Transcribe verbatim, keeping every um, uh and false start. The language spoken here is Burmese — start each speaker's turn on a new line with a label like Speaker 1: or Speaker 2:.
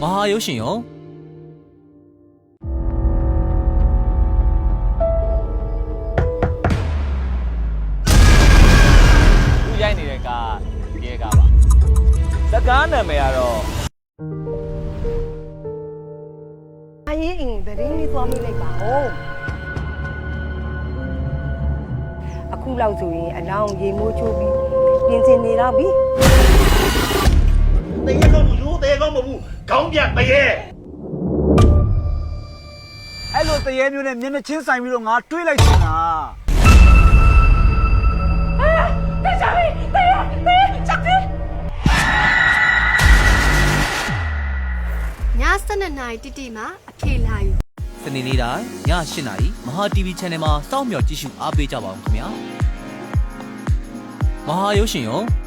Speaker 1: ဟာရုပ်ရှင်ရောသူရိုက်နေတဲ့ကရဲကပါစကားနာမည်ကတော့
Speaker 2: အရင်အင်းဗရင်းလေးသွားမိလိုက်ပါဦးအခုလောက်ဆိုရင်အလောင်းရေမိုးချိုးပြီးပြင်ဆင်နေတော့ပြီ
Speaker 3: တရေကောင်းလူတရေကောင်းမဟုတ်ဘူးခေါင်းပြတရေ
Speaker 4: အဲ့လိုတရေမျိုးနဲ့မျက်နှာချင်းဆိုင်ပြီးတော့ငါတွေးလိုက်ချင်တာ
Speaker 2: အာတခြားပြီတရေတရေချက်ပြီ
Speaker 5: ညစနစ်နိုင်တိတိမှာအဖေလာယူ
Speaker 1: စနေနေ့တိုင်းည၈နာရီမဟာ တီဗီ Channel မှာစောင့်မျှော်ကြည့်ရှုအားပေးကြပါဦးခင်ဗျာမဟာရုပ်ရှင်ရော